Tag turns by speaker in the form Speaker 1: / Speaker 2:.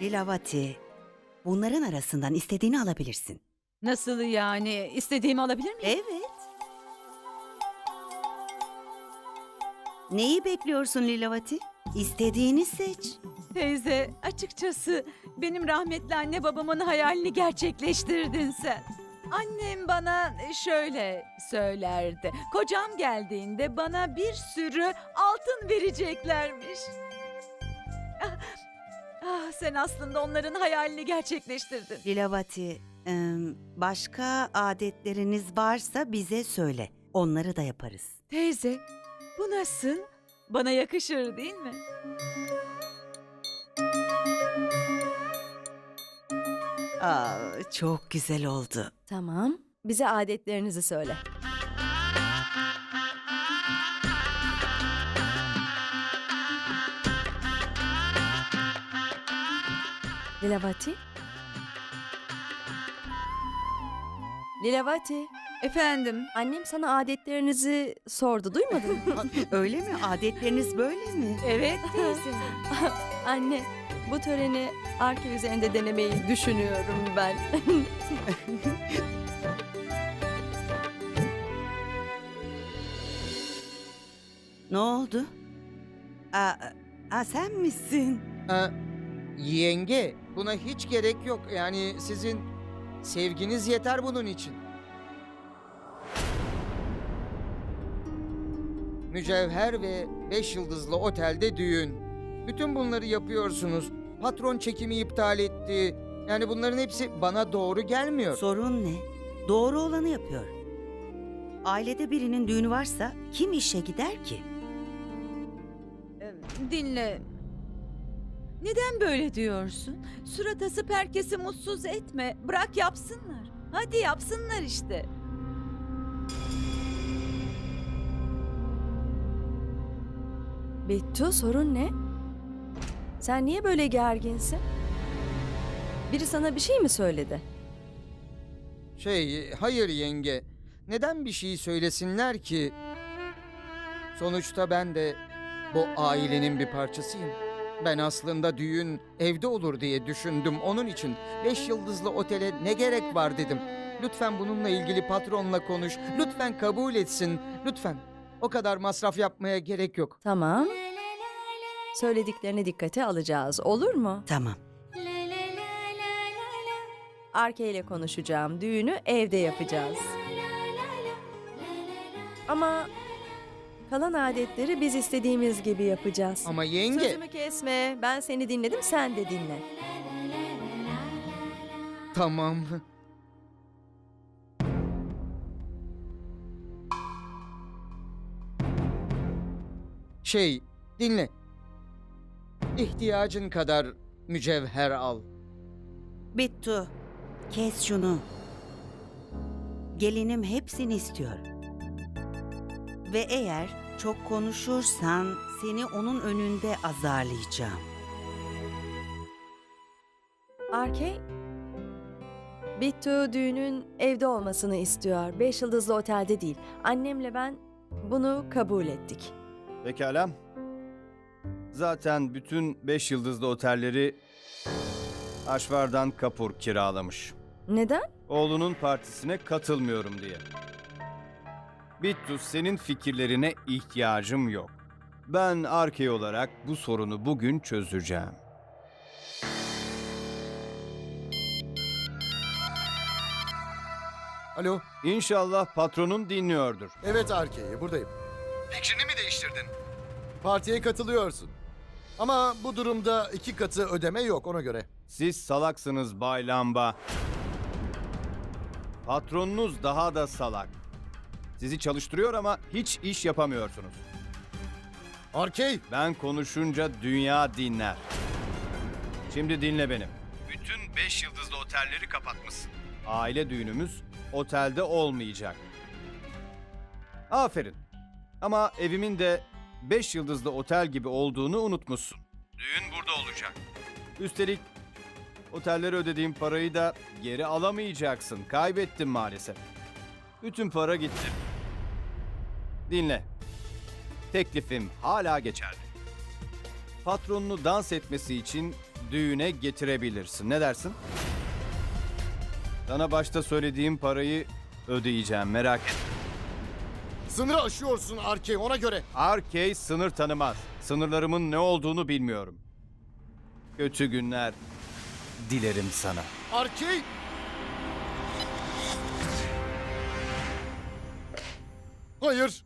Speaker 1: Lilavati, bunların arasından istediğini alabilirsin.
Speaker 2: Nasıl yani? İstediğimi alabilir miyim?
Speaker 1: Evet. Neyi bekliyorsun Lilavati? İstediğini seç.
Speaker 2: Teyze, açıkçası benim rahmetli anne babamın hayalini gerçekleştirdin sen. Annem bana şöyle söylerdi. Kocam geldiğinde bana bir sürü altın vereceklermiş. Ah, sen aslında onların hayalini gerçekleştirdin.
Speaker 1: Lilavati, başka adetleriniz varsa bize söyle. Onları da yaparız.
Speaker 2: Teyze, bu nasıl? Bana yakışır değil mi?
Speaker 1: Çok güzel oldu.
Speaker 3: Tamam. Bize adetlerinizi söyle. Lilavati? Lilavati,
Speaker 2: Efendim,
Speaker 3: annem sana adetlerinizi sordu, duymadın mı?
Speaker 1: Öyle mi? Adetleriniz böyle mi?
Speaker 2: evet teyze.
Speaker 3: Anne, bu töreni Arke üzerinde denemeyi düşünüyorum ben.
Speaker 1: Ne oldu? Sen misin?
Speaker 4: Aa, yenge, buna hiç gerek yok. Yani sizin sevginiz yeter bunun için. Mücevher ve 5 yıldızlı otelde düğün. Bütün bunları yapıyorsunuz. Patron çekimi iptal etti. Yani bunların hepsi bana doğru gelmiyor.
Speaker 1: Sorun ne? Doğru olanı yapıyor. Ailede birinin düğünü varsa kim işe gider ki?
Speaker 2: Dinle. Neden böyle diyorsun? Surat asıp herkesi mutsuz etme. Bırak yapsınlar. Hadi yapsınlar işte.
Speaker 3: Bittu, sorun ne? Sen niye böyle gerginsin? Biri sana bir şey mi söyledi?
Speaker 4: Hayır yenge. Neden bir şey söylesinler ki? Sonuçta ben de bu ailenin bir parçasıyım. Ben aslında düğün evde olur diye düşündüm. Onun için 5 yıldızlı otele ne gerek var dedim. Lütfen bununla ilgili patronla konuş. Lütfen kabul etsin. Lütfen. O kadar masraf yapmaya gerek yok.
Speaker 3: Tamam. Söylediklerini dikkate alacağız, olur mu?
Speaker 1: Tamam.
Speaker 3: Arke ile konuşacağım. Düğünü evde yapacağız. Ama kalan adetleri biz istediğimiz gibi yapacağız.
Speaker 4: Ama yenge...
Speaker 3: Sözümü kesme. Ben seni dinledim, sen de dinle.
Speaker 4: Tamam. Dinle. İhtiyacın kadar mücevher al.
Speaker 1: Bittu, kes şunu. Gelinim hepsini istiyor. Ve eğer çok konuşursan seni onun önünde azarlayacağım.
Speaker 3: Arke, Bittu düğünün evde olmasını istiyor. 5 yıldızlı otelde değil. Annemle ben bunu kabul ettik.
Speaker 5: Pekala. Zaten bütün 5 yıldızlı otelleri Aşvardan Kapur kiralamış.
Speaker 3: Neden?
Speaker 5: Oğlunun partisine katılmıyorum diye. Bittu, senin fikirlerine ihtiyacım yok. Ben Arke olarak bu sorunu bugün çözeceğim.
Speaker 6: Alo.
Speaker 5: İnşallah patronun dinliyordur.
Speaker 6: Evet Arke'yi buradayım. Fikrini mi değiştirdin? Partiye katılıyorsun. Ama bu durumda 2 katı ödeme yok ona göre.
Speaker 5: Siz salaksınız Bay Lamba. Patronunuz daha da salak. Sizi çalıştırıyor ama hiç iş yapamıyorsunuz.
Speaker 6: Arkey!
Speaker 5: Ben konuşunca dünya dinler. Şimdi dinle beni. Bütün 5 yıldızlı otelleri kapatmışsın. Aile düğünümüz otelde olmayacak. Aferin. Ama evimin de 5 yıldızlı otel gibi olduğunu unutmuşsun. Düğün burada olacak. Üstelik otellere ödediğim parayı da geri alamayacaksın. Kaybettim maalesef. Bütün para gitti. Dinle. Teklifim hala geçerli. Patronunu dans etmesi için düğüne getirebilirsin. Ne dersin? Sana başta söylediğim parayı ödeyeceğim, merak etme.
Speaker 6: Sınırı aşıyorsun Arkey, ona göre.
Speaker 5: Arkey sınır tanımaz. Sınırlarımın ne olduğunu bilmiyorum. Kötü günler dilerim sana.
Speaker 6: Arkey! Hayır.